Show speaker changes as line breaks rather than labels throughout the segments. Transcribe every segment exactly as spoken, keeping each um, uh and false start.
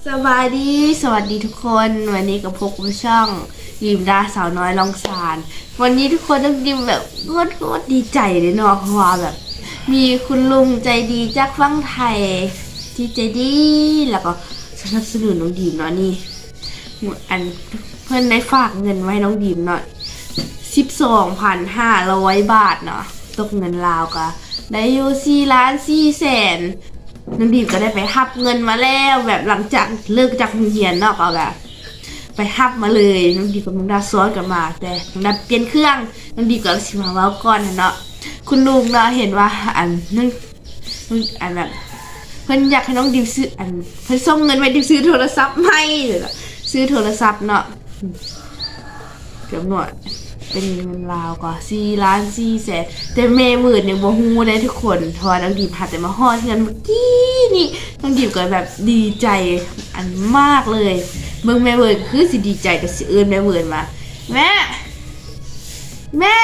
สบายดีสวัสดีทุกคนวันนี้กับพวกผู้ช่องยิมดาสาวน้อยลองสารวันนี้ทุกคนต้องยิมแบบโคตรโคตรดีใจเลยเนาะเพราะว่าแบบ มีคุณลุงใจดีจากฝั่งไทยที่ใจดีแล้วก็สนับสนุนน้องดีมเนาะนี่อันเพื่อนได้ฝากเงินไว้น้องดีมเนาะสิบสองพันห้าร้อยบาทเนาะตกเงินลาวก็ได้อยู่สี่ล้านสี่แสนน้องดีมก็ได้ไปฮับเงินมาแล้วแบบหลังจากเลิกจากโรงเรียนเนาะก็แบบไปฮับมาเลยน้องดีมกับน้องดาซ้อนกันมาแต่น้องดาเปลี่ยนเครื่องน้องดีมก็สิมาเว้าก่อนเนาะคุณลุงเราเห็นว่าอันนึงอันแบบเพิ่นอยากให้น้องดิวซื้ออันเพิ่นส่งเงินไปดิวซื้อโทรศัพท์ให้หรือซื้อโทรศัพท์เนาะเกือบหน่วยเป็นเงินลาวกว่าสี่ล้านสี่แสนแต่แม่หมื่นเนี่ยบ่ฮู้ได้ทุกคนเพราะว่าน้องดิวหัดแต่มาฮอดเงินเมื่อกี้นี่น้องดิวก็แบบดีใจอันมากเลยเบิ่งแม่หมื่นคือสิดีใจกับสิเอิ้นแม่หมื่นมาแม่แม่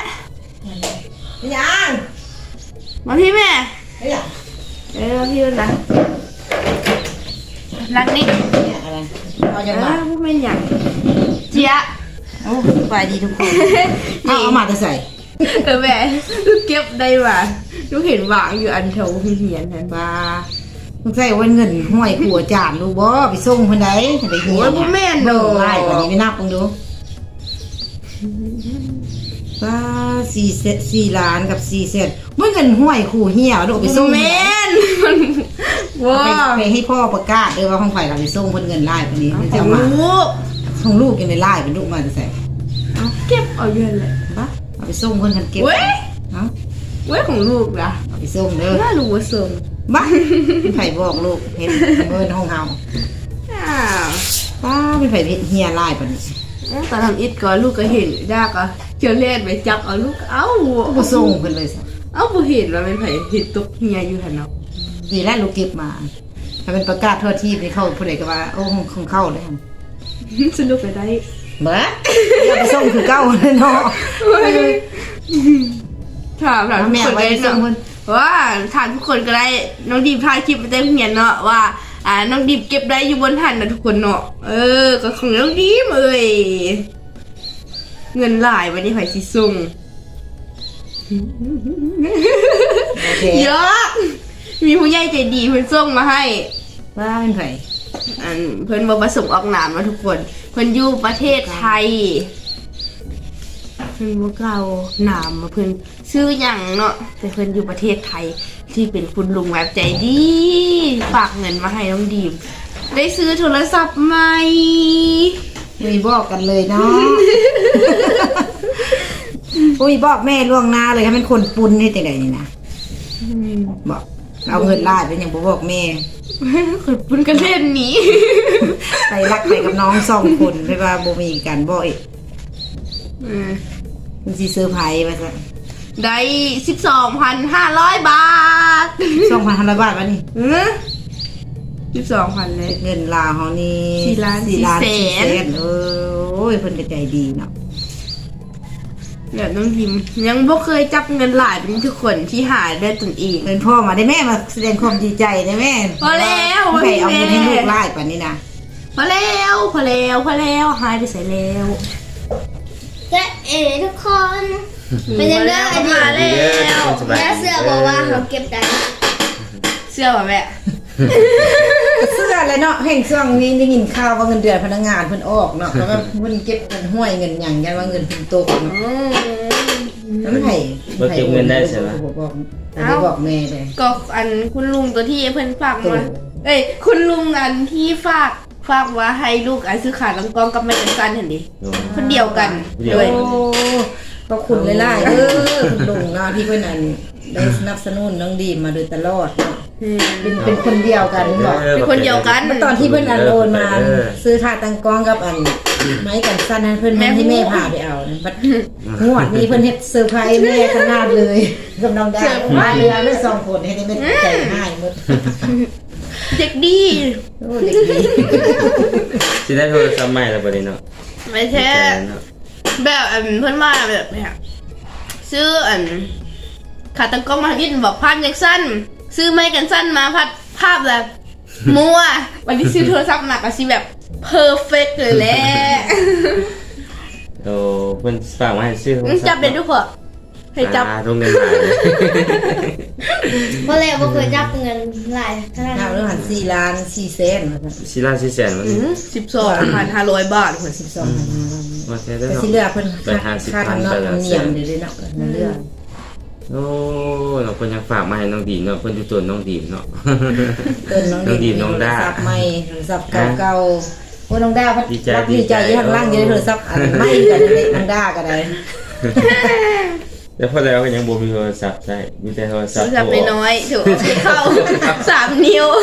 ยัง
มาพี่แม่
เฮ้ย
เออพี่นะรักนี่
เนี่ยอะไรเอาจะมา
พูดเป็นอย่างเจี๊ย
โอ้ไปดีทุกคนเอาเอามาจะใส่
เออแม่ลูกเก็บได้ว่ะลูกเห็นวางอยู่อันแถวเหียนนั่น
ว่าต้องใส่วันเงินห้อยขัวจานดูบ่ไปส่งคนใดไปเหียน
แม่นโดน
ไล่วันนี้ไม่นับกันดูว่าสี่เศษสี่ล้านกับสี่เศษเมื่อเงินห้วยขู่เหี้ยเราไปส่ง
แม่นว้า
ไปให้พ่อประกาศด้วยว่าของไผ่เราไปส่งคนเงินไล่คนนี้มันจะมาส่งลูกยังในไล่เป็นลูกมาจะใส่
เก็บเอาเยอะเลย
ปะเอาไปส่งคนกันเก็บ
เว้ย
เอ้า
เว้ยของลูกนะ
เอาไปส่งเด้อ
น่ารู้ว่าส่ง
บ้าไผ่บอกลูกเห็นเงินห้องเฮาป้าเป็นไผ่เฮียไล่ปะนี่
ตอนทำอิดก่อนลูกก็เห็นยากอ่ะเจอเล่นไปจับเอาลูกเอ้า
ก็ส่งเพิ่นเลยสิ
เอ้าบ่เห็นว่าเป็นไผเห็นตกเฮียอยู่หั่นเนาะ
ดีแล้วลูกเก็บมาถ้าเป็นประกาศทั่วที่ไปเข้าผู้ใดก็ว่าโอ้ของเข้าเลย
สนุกไปได้
เบ้ออย่าไปส่งคือเก้าเลยเนาะ
ถามถามทุกคนเลยเนาะว่าถามทุกคนก็ได้น้องดีมถ่ายคลิปไปเต็มเหียนเนาะว่าอ่าน้องดีมเก็บได้อยู่บนหันนะทุกคนเนาะเออก็ของน้องดีมเอ้ยเงินหลายวันนี้ไผสิส่งเยอะมีผู้ใหญ่ใจดีเพิ่นส่งมาให้
ว่าเป็นไผ
อันเพิ่นบ่ประสงค์ออกนามนะทุกคนเพิ่นอยู่ประเทศไทยเพิ่นบ่กล่าวนามมาเพิ่นชื่อหยังเนาะแต่เพิ่นอยู่ประเทศไทยที่เป็นคุณลุงแบบใจดีฝากเงินมาให้น้องดีมได้ซื้อโทรศัพท์ใหม่
มีบอกกันเลยเนาะอุ้ยบอกแม่ล่วงหน้าเลยให้มันคนปุ้นให้แต่ไหนนี่นะบอกเอาเงินลาดเป็นอย่างบอกแม่
คนปุ้นกันเล่นนี้
ไปรักไปกับน้องสองคนไปว่าโบมีกันบ่อยมันซีเซอร์ไพรส์ไปซะ
ได้สิบสองพันห้าร้อยบาท
สองพันห้าร้อยบาทวะนี่
สิบสองพันเลย
เงินลาวเขานี่
สี่ล้านสี่แสน
เออโอ้ยเพิ่นก็ใจดีเนาะ
เดี๋ยวน้องพิมยังบ่เคยจับเงินหลายเป็นทุกคนที่หาได้ตนเอง
เป็นพ่อมาได้แม่มาแสดงความดีใจได้แม่
พอแล้ว
ใครเอาเงินให้ลูกไล่ป่านนี้นะ
พอแล้วพอแล้วพอแล้วหายไปใส่แล้ว
ก็เอ๋ทุกคนเป็นยังไงมาแล้วแม่เสื้อบอกว่าเขาเก็บได้
เสื้อป่ะแม่
เสื้อเลยเนาะแห่งช่วงนี้ได้ยินข่าวว่าเงินเดือนพนักงานเพิ่นออกเนาะแล้วก็เพิ่นเก็บเงินห้วยเงินหยังยันว่าเงินเพิ่นตกเนาะแล้วมันไผ
บ่เก็บเงินได้ใช่มั้ย
บอกบอกแม่เลย
ก็อันคุณลุงตัวที่เพิ่นฝากมาเอ้ยคุณลุงอันที่ฝากฝากว่าให้ลูกอันซื้อขาลังกองกับแม่จังซันเห็นดิคนเดียวกันเลย
ก็คุณหลายๆเออคุณลุงเนาะที่เพิ่นอันได้สนับสนุนน้องดีมมาโดยตลอดเนาะเป็นเป็นคนเดียวกันบอก
เป็นคนเดียวกัน
ตอนที่เพื่อนอันโอนมาซื้อค่าตังกองกับอันไม้กันสั้นนั้นเพื่อนให้แม่พาไปเอาบัดงวดนี้เพื่อนเฮ็ดเซอร์ไพรส์แม่ขนาดเลยกับน้องดาวมาเรือไม่สองคนให้ได้ไม่ใจง่ายหมด
เด็กดี
โอ้เด็กดี
สิได้โทรศัพท์ใหม่แล้วบ่ได้เนาะ
ไม่ใช่แบบอันเพื่อนมาแบบเนี่ยซื้ออันขาตั้งกล้องมาดินบอกภาพยังสั้นซื้อไม้กันสั้นมาพัดภาพแบบมั่ววันที่ซื้อโทรศัพท์หนักก็สิแบบเพอร์เฟกต์เลยแหละ
โอ้เพิ่นฝากมาให้ซื้อ
มึงจับเป็นทุกคนให้จับ
อ่าโรงเรียนหลายเลย
เพราะเลยบ่เคยจับเงินหลายขนาด
น้า
นั้น
เรื่องหันสี่ล้านสี่แสนว่าซั่น
สิล้านสิแสนมัน
สิบสองพันห้าร้อยบาทคน
สิบสองพัน
ว่าแท้ได้
แต่
เนาะ
ที่เหลือเพิ่น
ไปหาสิบ
ค่า
พัน
ทำนอ
ไป
ก
ละ
ทำเนียมเดี๋ยวๆเนาะนั่นเรื่อง
โอ้เราเพิ่นยังฝากมาให้น้องดีมเนาะเพิ่นอยู่ตัวน้องดีมเนาะ
เตินน้อง
น้องดีมน้องด้า
โทรศัพท์ใหม่โทรศัพท์เก่าๆโอ้น้องด้าพัด
ดีใจ
รักดีใจ
ดีใจ
อยู่ข้างล่างอยู่ในโทรศัพท์อันใหม่กันเลยน้องด้าก็ได้
แล้วพอแล้วก็ยังบ่มีโทรศัพท์ใช้มีแต่โทรศัพท์
จับไปน้อยถือเอาไปเข้าสามนิ้ว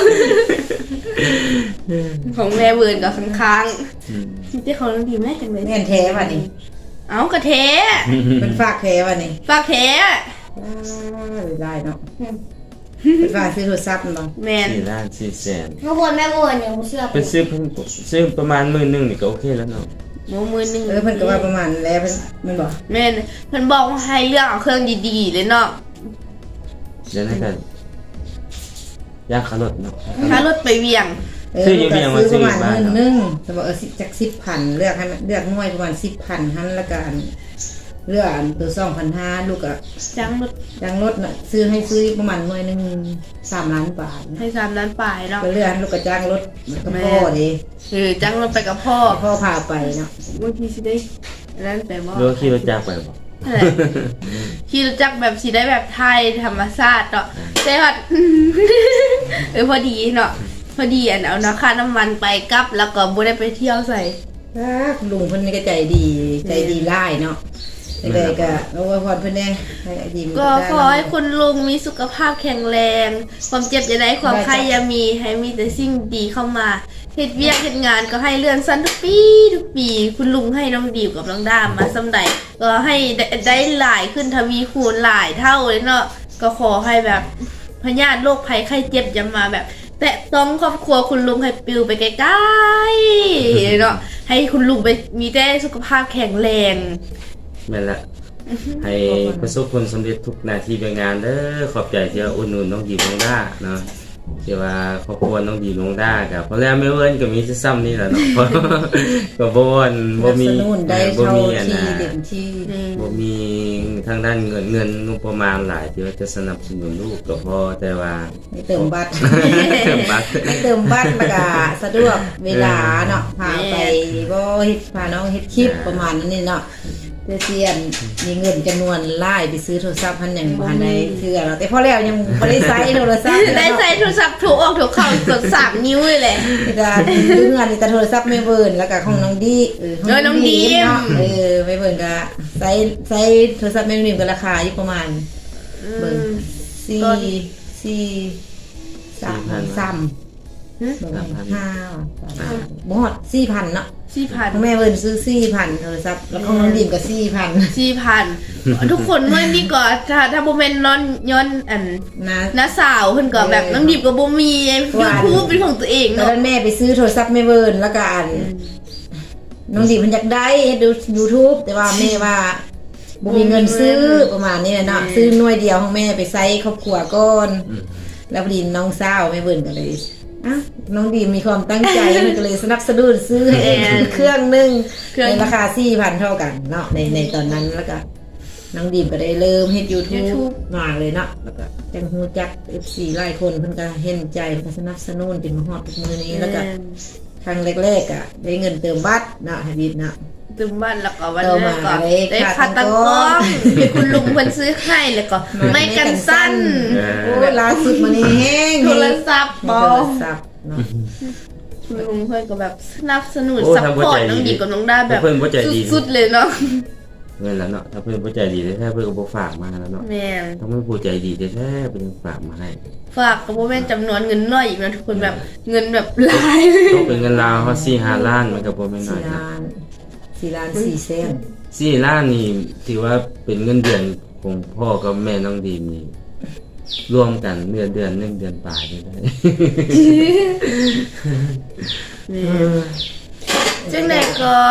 ของแม่เวิร์นกับค้างๆที่เขาต้องดีแม่จังเลย
แม่นแท้ป่ะนี่
เอากระเท
เป็นฝากแท้ป่ะนี่
ฝากเท
อ้าวได้เนาะเป็นฝากซื้อโทรศัพท์เนาะ
แมน
สี่ล้านสี่แสน
เมื่อวันแม่วนเนี่ยผมเชื่อ
เป็นซื้อเพิ่นซื้อประมาณหมื่นหนึงนี่ก็โอเคแล้วเนาะ
โมมือหนึ่ง
เออเพิ่นก็ว่าประมาณแล้วเพิ่นมันบอก
แม่นเพิ่นบอกว่าให้เลือกเอาเครื่องดีๆเลยเนาะ
เดี๋ยวนั้นกันยากขลดเนาะ
ถ้ารถไปเวียง
เออ
ซื้ออยู่
มัน
เพียง
ก็
ว่า
ซื้อประมาณ
ซื้ออยู่บ้าน
หมื่นหนึงแต่ว่าเออสิจักสิบพันเลือกให้มันเลือกหน่วยประมาณสิบพันหันละกันเลือกอันตัวสองพันห้าลูกอะ
จ้างรถ
ยางรถน่ะซื้อให้ซื้อประมาณหน่วยหนึงสามล้านบาทนะ
ให้สามล้านปลายเนาะ
ก็เลือกลูกกระจ้างรถมันก็พ่อดิ
เออจ้างรถไปกับพ่อ
พ่อพาไปเนาะ
บางทีสิได้อันนั้นไปบ่
หรือว่าขี่รถจักรไปบ่
นั่นแหละขี่รถจักรแบบสิได้แบบไทยธรรมชาติเนาะแต่ว่า เออพอดีเนาะพอดีอันเอาเนาะค่าน้ำมันไปกลับแล้วก็บ่ได้ไปเที่ยวใส่
อ่าคุณลุงเพิ่นนี่ก็ใจดีใจดีไล่เนาะเด็กๆก็เอาไว้พรเพิ่นแน่ให้ดีมัน
ก็
ได้
ขอให้คุณลุงมีสุขภาพแข็งแรง ความเจ็บอย่าได้ความไข้อย่ามีให้มีแต่สิ่งดีเข้ามาเฮ็ดเวียกเฮ็ดงานก็ให้เลื่อนสั้นทุกปีทุกปี คุณลุงให้น้องดิวกับน้องดามมาสำใดก็ให้ได้ได้หลายขึ้นทวีคูณหลายเท่าเลยเนาะก็ขอให้แบบพยาธิโรคภัยไข้เจ็บอย่ามาแบบ แต่ต้องครอบครัวคุณลุงให้ปลิวไปไกลๆเนาะให้คุณลุงไปมีแต่สุขภาพแข็งแรง
แม่นละให้ประสบผลสำเร็จทุกหน้าที่การงานเด้อขอบใจที่ว่าอุดหนุนน้องดีน้องด้าเนาะที่ว่าครอบครัวน้องดีน้องด้ากับเพราะแล้วไม่เวิ้นก็มีซ้ำนี่แหละเนาะ ก็บ่วนบ่มี
สนับสนุนได้
บ่
เท่า
มีอัน
ที่
น่ะ
เต็มที่
บ่มีทางด้านเงินเงินงบประมาณหลายที่ว่าจะสนับสนุนลูกก็พอแต่ว่า
ไม่เติมบัตร
เติมบัตร
ไม่เติมบัตรมันก็สะดวกเวลาเนาะพาไปบ่เฮ็ดพาน้องเฮ็ดคลิปประมาณนั้นนี่เนาะเพื่อเสียนมีเงินจำนวนหลายไปซื้อโทรศัพท์พันอย่างบ่ทันได้เทื่อเนาะแต่พอแล้วยังบ่ได้ใช้โทรศัพท์
ได้ใส่โทรศัพท์ถูกออกถูกเข้ากดสามนิ้วเลยแหละ
นี่ก็ดูงานนี่แต่โทรศัพท์ไม่เบิ่นแล้วก็ของน้องดีเออ
เออน้องดีม
เนาะเออไม่เบิ่นก็ใช้ใช้โทรศัพท์ไม่เบิ่นก็ราคาอยู่ประมาณเบิ่งสี่สี่สามสามเบิ่งห้าบ่ฮอดสี่พันเนาะ
สี่พัน
ของแม่เบิ่นซื้อสี่พันโทรศัพท์แล้วของน้องดีมก็สี่พัน
สี่พันทุกคนเมื่อนี้ก็ถ้าถ้าโบเมนนอนย้อนอัน
นะ
น้าสาวเพิ่นก็แบบน้องดิบกับโบมียูทูบเป็นของตัวเอง
ตอน
เนาะ
นั้นแม่ไปซื้อโทรศัพท์ไม่เบิ่นแล้วก็อันน้องดีมันอยากได้ดู YouTube แต่ว่าแม่ว่าบ่มีเงินซื้อประมาณนี้แหละเนาะซื้อหน่วยเดียวของแม่ไปใช้ครอบครัวก่อนแล้วพอดีน้องสาวแม่เบิ่นก็เลยอ่ะน้องดีมีความตั้งใจ มันก็เลยสนับสนุนซื้อให้เองเครื่องหนึงในราคา สี่พัน เท่ากันเนาะในในตอนนั้นแล้วก็น้องดีมก็ได้เริ่มเฮ็ด YouTube มาเลยเนาะแล้วก็จังฮู้จัก เอฟ ซี หลายคนเพิ่นก็เห็นใจเพิ่นก็สนับสนุนจนมาฮอดทุกมื้อนี้แล้วก็ครั้งแรกๆอ่ะได้เงินเติมบัตรเนาะให้ดีเนาะ
ตึมบ้านแล้วก็วัน
เอา
แร
มาก
ก็
เลย
ได้
ขา
คา
ด
ตั
ตั
ง
ง
ก
ค์
ล้องที่คุณลุงเพิ่นซื้อให้แล้วก็ไม่กันสั้น
โอ้ยล่าสุดมานี่แห้ง
โทรศัพท์บ
โท
อ
รศัพท์เนาะ
คุณลุงเพิ่นก็แบบสนับสนุน
โอ้
ซัพ
ทำหัว
พอ
ใจ
ร์ตน้อง
ดี
ดิบกับน้องด้าแบบ
เพิ่นหัวใจดี
สุดๆเลยเนาะ
เงินแล้วเนาะถ้าเพิ่นบ่ใจดีแท้ๆเพิ่นก็บ่ฝากมาแล้วเนาะ
แม่น
ถ้าเพิ่นผู้ใจดีแท้ๆเพิ่นฝากมาให้
ฝากกับโบแม่นจำนวนเงินน้อยอีกนะทุกคนแบบเงินแบบหลาย
ต้องเป็นเงินลาวเฮาสี่ ห้าล้านมันก็บ่แม่นน้อ
สี่
ยนะ
ล้านสี่ล้านสี่แสน
สี่ล้านนี่ถือว่าเป็นเงินเดือนของพ่อกับแม่น้องดีมนี่รวมกันเดือนเดือนหนึงเดือนปลายได้
จังไดก็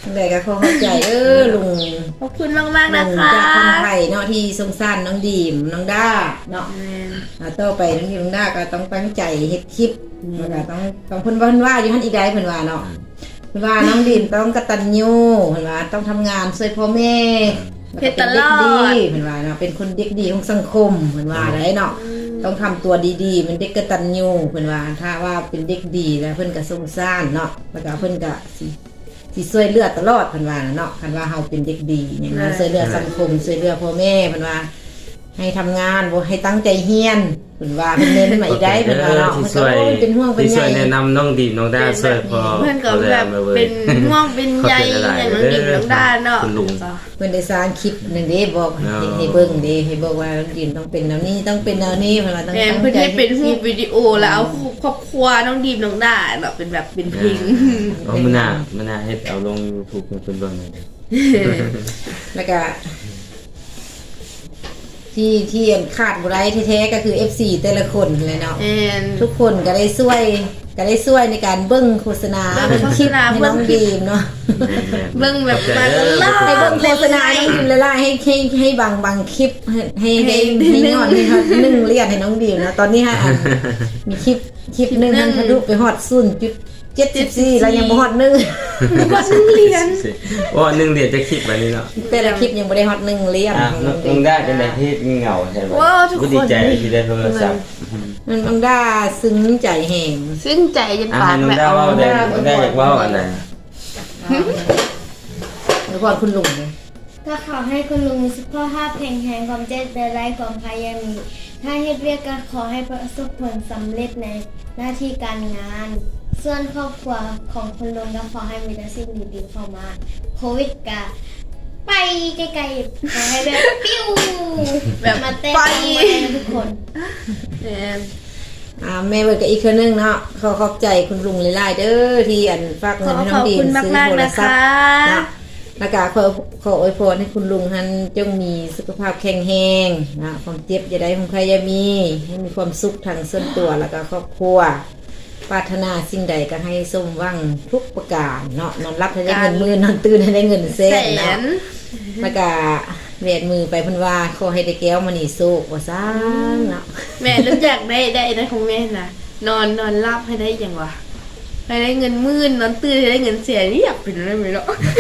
แต่ก็ขอเข้าใจเออลุง
ขอบคุณมากๆ
ลุ
นะ
ง
คะ
จากคนไทยเนาะที่สงสารน้องดีมน้องด้าเนาะ
แม่น
อ่าต่อไปน้องดีมน้องด้าก็ต้องตั้งใจเฮ็ดคลิปแล้วก็ต้องต้องเพิ่นว่าเพิ่นว่าอยู่หั่นอีกได้เพิ่นว่าเนาะเพิ่นว่าน้องดีมต้องกตัญญูเพิ่นว่าต้องทำงานช่วยพ่อแม่แล้วก็เป็นเด็กดีเพิ่นว่าเนาะเป็นคนเด็กดีของสังคมเพิ่นว่าได้เนาะต้องทำตัวดีๆเป็นเด็กกตัญญูเพิ่นว่าถ้าว่าเป็นเด็กดีแล้วเพิ่นก็สงสารเนาะแล้วก็เพิ่นก็สิสิช่วยเหลือตลอดเพิ่นว่าเนาะคันว่าเฮาเป็นเด็กดีอย่างนั้นช่วยเหลือสังคมช่วยเหลือพ่อแม่เพิ่นว่าให้ทำงานบ่ให้ตั้งใจเรียนเพิ่นว่าเพิ่นเน้นมาอีกได้เพิ่นว่าเนาะ
ที่
เพิ่น
ช่
ก็
วย
โอ้ยเป็นห่วงเป็น
ที่
ใย
ช่วยแนะนำน้องดีน้องด้าช่วยพอ
เพื่อนก็แบบเป็นห่วงเป็นใยอย่างน้องดิมน้องด้าเนาะ
คุณลุง
เพิ่นได้สร้างคลิปนั่นเด้บอก
เนาะ
ให้ให้เบิ่งเด้ให้บอกว่าน้องดิมต้องเป็นแนวนี้ต้องเป็นแนวนี้เพิ่นว่าต้อง
แม่
ตั้ง
เพื่อน
ใจ
ให้เป็นรูป
ฮ็ด
วิดีโอแล้วเอาครอบครัวน้องดีมน้องด้าเนาะเป็นแบบเป็นเพลง
เอามื้อหน้ามื้อหน้าเฮ็ดเอาลง YouTube ให้เพิ่นเบิ่งหน่อย
แล้วก็ที่ที่ขาดบ่ได้แท้ๆก็คือ เอฟ ซี แต่ละคนเลยเนาะ
แม่น
ทุกคนก็ได้ช่วยก็ได้ช่วยในการเบิ้งโฆษณา
เบิ่งโฆษณา
ให้น้อง
เบิ่งคลิป
ดีมเนาะ
เบิ่งแบบมาตลอด
ให้เบิ้งโฆษณาให้น้องดีมละลายให้ให้ให้บางบางคลิปให้ให้ให้ให้ยอดให้ฮอดหนึ่งเรียนให้น้องดีมนะตอนนี้ฮะอันมีคลิปคลิปหนึงมันทะลุไปฮอดศูนย์จุดเจ็ดสิบสี่แล้วยังบ่ฮอดหนึ่ง
ก็ซึ่งเรียน
ว่าหนึ่งเดียวจะคลิปแบบนี้เนาะ
แต่ละคลิปยังบ่ได้ฮอดหนึ่งเรียน
อ่ะ
ของ
น้
น้
อ
อง ง
น้อง
ดีม
ด้าจะได้ที่เหงาใช่ไหม
ว้าวทุกคน
ดีใจที่ได้โทรศัพท์
น้องด้าซึ้งใจแห่ง
ซึ่งใจจน
อ่ะ
ปาก
น้อง
แบบ
ด้า
เอา
ว่าได้น้องด้าอยากว่าอะไร
แล้วพอคุณลุงเนี่ย
ก็ขอให้คุณลุงมีสุขภาพแข็งแรงความเจ็บเป็นไรความพยายามมีถ้าเฮ็ดเรียกก็ขอให้ประสบผลสำเร็จในหน้าที่การงาน ส่วนครอบครัวของคุณลุงก็ขอให้มีแต่สิ่งดีๆเข้ามาโควิดก็ไปไกลๆขอให้แบบปิ้ว
แบบ
มาเต้น
ไป
มาเต้นทุกคน
แม่น
อ่าแม่เบิดกับอีกคนนึงเนาะขอขอบใจคุณลุงหลายๆเด้อที่อันฝาก
ข
เงิ
อน
ให้น้
ข
อ
อง บ
ดีม
คุณ
ซื้อ
มาก
โท
ๆ
ร
นะ
ศัพ
คะ
ท์เนาะแล้วก็ขอขออวยพรให้คุณลุงท่านจงมีสุขภาพแข็งแรงนะความเจ็บอย่าได้ของใครอย่ามีให้มีความสุขทางส่วนตัวแล้วก็ครอบครัวปรารถนาสิ่งใดก็ให้สมหวังทุกประการเนาะนอนรับให้ได้เงินหมื่นนอนตื่นให้ได้เงินแส
แส
นเนาะ
น
แล้วก็เวียนมือไปเพิ่นว่าขอให้ได้แก้วมานี่โซกว่าซ่านเนาะ
แม่รู้จักได้ได้ได้ของแม่นะนอนนอนรับให้ได้ยังวะให้ได้เงินหมื่นนอนตื่นให้ได้เงินเสียเรียบเป็นอะไรไม่รู้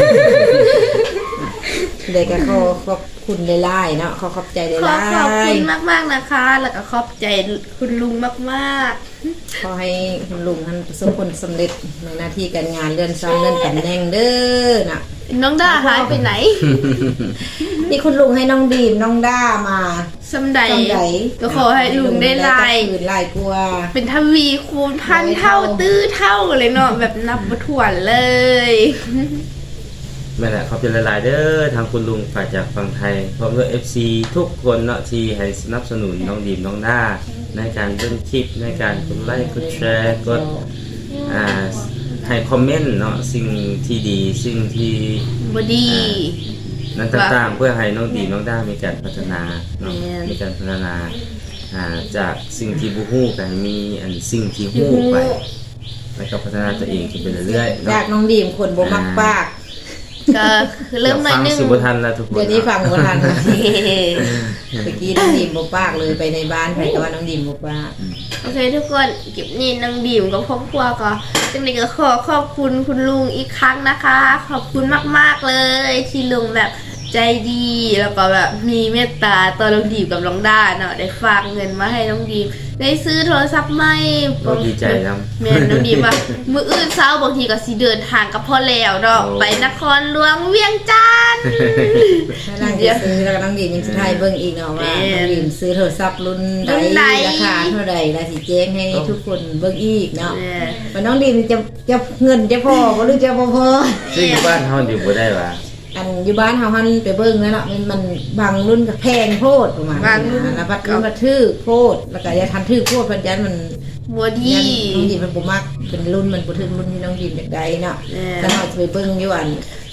เด็กก็ขอขอบคุณหลายๆเนาะขอขอบใจห
ขอ
ลา
ขอบ
ย
คุณมากๆนะคะ แล้วก็ขอบใจคุณลุงมาก
ๆขอให้คุณลุงท่านประสบผลสำเร็จในหน้าที่การงานเลื่อนชั้นเลื่อนตำแหน่งเด้อน่ะ
ๆน้องด้าหายไปไหน
นี่คุณลุงให้น้องดีมน้องด้ามา
สำใด
จำได
ก็ขอให้ลุงได้ลาย
คืนลายกลัว
เป็นทวีคูณพันเท่าตื้อเท่าเลยเนาะแบบนับบ่ถ้วนเลย
แม่นแหละเขาเป็นหลายๆเด้อทางคุณลุงฝ่ายจากฝั่งไทยพร้อมด้วย เอฟ ซี ทุกคนเนาะที่ให้สนับสนุนน้องดีมน้องด้าในการเบิ่งคลิปในการกดไลค์กดแชร์กดอ่าให้คอมเมนต์เนาะสิ่งที่ดีสิ่งที่
บดี
นั้นต่างๆเพื่อให้น้องดีน้องด้ามีการพัฒนาเนาะ
แม่น
มีการพัฒนาอ่าจากสิ่งที่บูฮู้กันมีอันสิ่งที่ฮู้ไปแล้วก็พัฒนาตัวเองขึ้นไปเรื่อยๆ
จา
เนาะ
กน้องดีมคนบ่มักปาก
ก็คือเริ่มหน่อยนึง
ฟัสิบทันแล้วทุกคน
เดี๋ยวนี้ฟังบ่ทัน
เฮ้
เมื่อกี้น้องดีมบ่ปากเลยไปในบ้านใครก็ว่าน้องดีมบ่ปาก
โอเคทุกคนเก็บนี่นางดีมกับครอบครัวก็จังเลยก็ขอขอบคุณคุณลุงอีกครั้งนะคะ ขอบคุณมากๆเลยที่ลุงแบบใจดีแล้วก็แบบมีเมตตาต่อน้องดีมกับน้องด้าเนาะได้ฝากเงินมาให้น้องดีมได้ซื้อโทรศัพท์ใหม่
ก็ดีใจนำ
แม่นน้องดีมว่ามื้ออื่นเช้าบางทีก็สิเดินทางกับพ่อแล้วเนาะ
โอ้
ไปนครหลวงเวียงจันทน์
ถ้านั่งจะซื้อแล้วก็น้องดีมยังสิทายเบิ่งอีกเนาะว่าน้องดีมซื้อโทรศัพท์รุ่นใด
รุ่นใด
ราคาเท่าใดแล้วสิแจ้งให้ทุกคนเบิ่งอีกเนาะ
แม่
ว่าน้องดีมจะจะเงินจะพอบ่หรือจะบ่พอ
ซึ่งบ้านเฮาอยู่บ่ได้ว่า
อันอยู่บ้านเฮาหันไปเบิ่งแล้วเนาะมันมันบางรุ่นก็แพงโพดประมาณ
บางรุ่น
นะแล้วบัดรุ่นมาทื่อโพดแล้วก็อย่าทันทื่อโพดเพิ่นยันมัน
บัวดี
ยันน้องดีมมันบ่มักเป็นรุ่นมันบ่ถึงรุ่นที่น้องดีมอยากได้เนาะ
แม่
แล้วเฮาจะไปเบิ่งอยู่อัน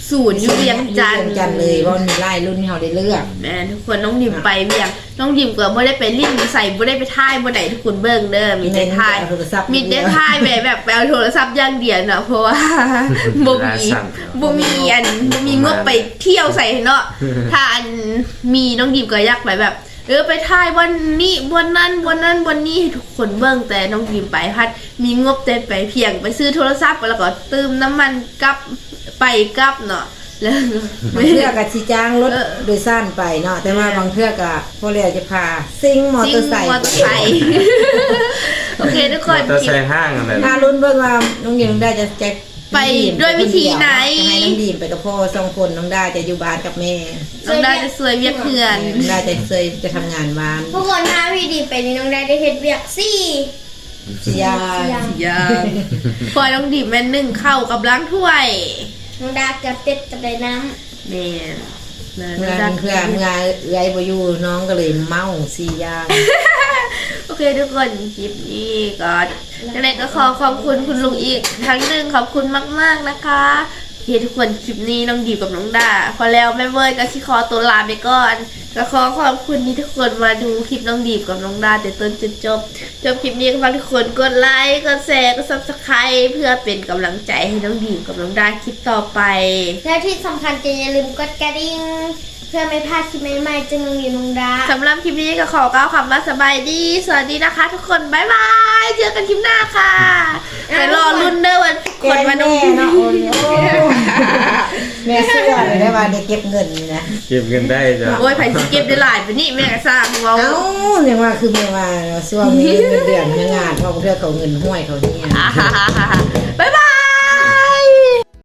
ศูนย์อยู่เวียงจันท
เวีย
ร์
งจันทร์เลยว่ามีไล่รุ่นที่เราได้เลือก
แม่ทุกคนน้องดิมไปเวียงน้องดิมก็บ่ได้ไปลิ้นใส่บ่ได้ไปท่ายบ่ได้ทุกคนเบิ่งเด้อมีแต่ท่าย
โทรศัพท์
มีแต่ท่ายแบบแบบไปเอาโทรศัพท์อย่างเดียวเนาะเพราะว่า บ่มีบ่มีอันบ่มีงบไปเที่ยวใส่เนาะถ้าอันมีน้องดิมก็อยากไปแบบเออไปท่ายวันนี้วันนั้นวันนั้นวันนี้ให้ทุกคนเบิ่งแต่น้องดิมไปพัดมีงบแต่ไปเพียงไปซื้อโทรศัพท์แล้วก็เติมน้ำมันกลับไปกลับเนาะแล้ว
บางเทื่อกับชีจ้างรถโดยสารไปเนาะแต่ว่าบางเทื่อกับพวกเราจะพาซิ่งมอเตอร์ไซค์
มอเตอร์ไซค์ โอเคทุกคน
มอเตอร์ไซค์ห้างอะไร
ถ้ารุ่นเบิ่งว่าน้องดิมได้จะแจ็ค
ไปด้วยวิธีไหน
จะให้น้องดีมไปกับพ่อสองคนน้องดาจะอยู่บ้านกับแม่
น้องดาจะสวยเวียกเพื่อน
น้องดาจะเคยจะทำงานบ้าน
ทุกคนถ้าพี่ดีไปนี่น้องได้ได้เฮ็ดเวียกสี่
สิยา
อย่าง
ยังพอน้องดิบแม่นหนึ่งเข้ากับล้างถ้วย
น้องดากับเป็ดกับไดน้
แม่น
เงินเพื่อเงินเอื้อยบ่อยู่น้องก็เลยเมาสิยา
โอเคทุกคนคลิปนี้ก็ยังไงก็ขอขอบคุณคุณลุงอีกครั้งหนึ่งขอบคุณมากๆนะคะโอเคทุกคนคลิปนี้น้องดิบกับน้องดาพอแล้วแม่เวิร์ดก็สิขอตัวลาไปก่อนก็ขอขอบคุณที่ทุกคนมาดูคลิปน้องดิบกับน้องดาแต่ต้นจนจบจบคลิปนี้ก็ฝากทุกคนกดไลค์กดแชร์กดซับสไครต์เพื่อเป็นกำลังใจให้น้องดิบกับน้องดาคลิปต่อไป
ำและที่สำคัญจะอย่าลืมกดกระดิ่งเพื่อไม่พลาดคลิปใหม่ๆจากน้องดีน้องดา
สำหรับคลิปนี้ก็ขอกล่าวคำว่าสบายดี สวัสดีนะคะทุกคน บ๊ายบาย เจอกันคลิปหน้าค่ะไปรอรุ่นเด้อวันคนมาดู
แม่เนาะโอ้ยแม่เสื้อเลยได้ว่าได้เก็บเงินนี่นะ
เก็บเงินได้จ้ะ
โอ้ยไผ่สิเก็บได้หลายไปนี่แม่ก็สร้างเรา
เอ้าเนี่ยว่าคือแม่ว่าช่วงนี้เงินเดือนเงินงานเขาเพื่อเขาเงินห้วยเขาเนี่ย
บ๊ายบ